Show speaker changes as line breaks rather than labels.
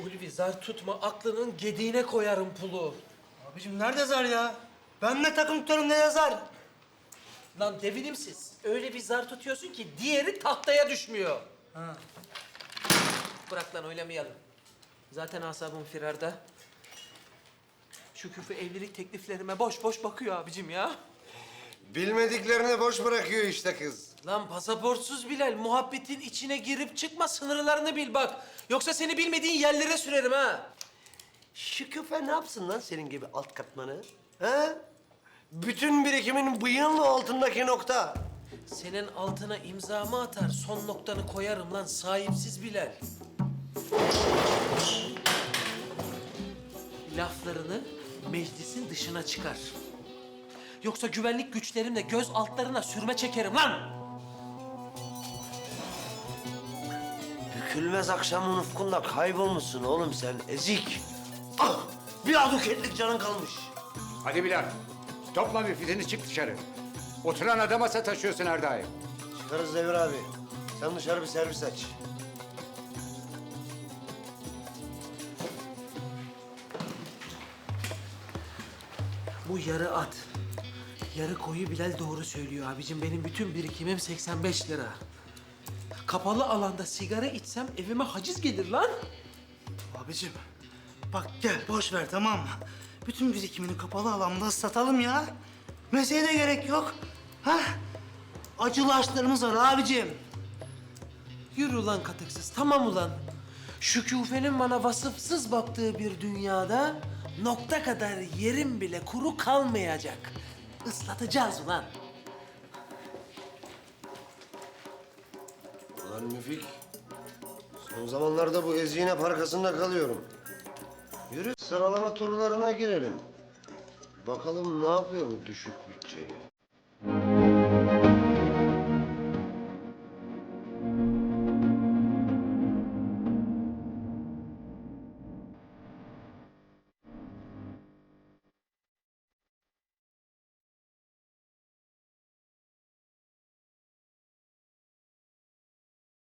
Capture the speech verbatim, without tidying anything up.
Ulvi zar tutma, aklının gediğine koyarım pulu.
Abicim nerede zar ya? Ben ne takım tutarım ne yazar?
Lan devinimsiz. Öyle bir zar tutuyorsun ki diğeri tahtaya düşmüyor.
Ha.
Bırak lan oynamayalım. Zaten asabım firarda. Şu küfü evlilik tekliflerime boş boş bakıyor abicim ya.
Bilmediklerini boş bırakıyor işte kız.
Lan pasaportsuz Bilal, muhabbetin içine girip çıkma, sınırlarını bil bak. Yoksa seni bilmediğin yerlere sürerim ha.
Şu küfe ne yapsın lan senin gibi alt katmanı? Ha? Bütün birikimin bıyığın altındaki nokta.
Senin altına imzamı atar, son noktanı koyarım lan sahipsiz Bilal. Laflarını meclisin dışına çıkar. Yoksa güvenlik güçlerimle göz altlarına sürme çekerim lan.
Bükülmez akşamın ufkunda kaybolmuşsun oğlum sen ezik. Ah! Bir aduketlik canın kalmış.
Hadi Bilal, topla müfitini çık dışarı. Oturan adama sataşıyorsun her daim.
Çıkarız Devir abi. Sen dışarı bir servis aç.
Bu yarı at, yarı koyu Bilal doğru söylüyor abicim. Benim bütün birikimim seksen beş lira. Kapalı alanda sigara içsem evime haciz gelir lan.
Abicim bak gel boş ver tamam mı? Bütün birikimini kapalı alanda satalım ya. Mesleğe de gerek yok. Ha? Acılı aşklarımız var abicim.
Yürü ulan katıksız, tamam ulan. Şu küfenin bana vasıfsız baktığı bir dünyada nokta kadar yerim bile kuru kalmayacak. Islatacağız ulan.
Ulan Müfik, son zamanlarda bu ezine parkasında kalıyorum. Yürü sıralama turlarına girelim. Bakalım ne yapıyor bu düşük bütçeyi.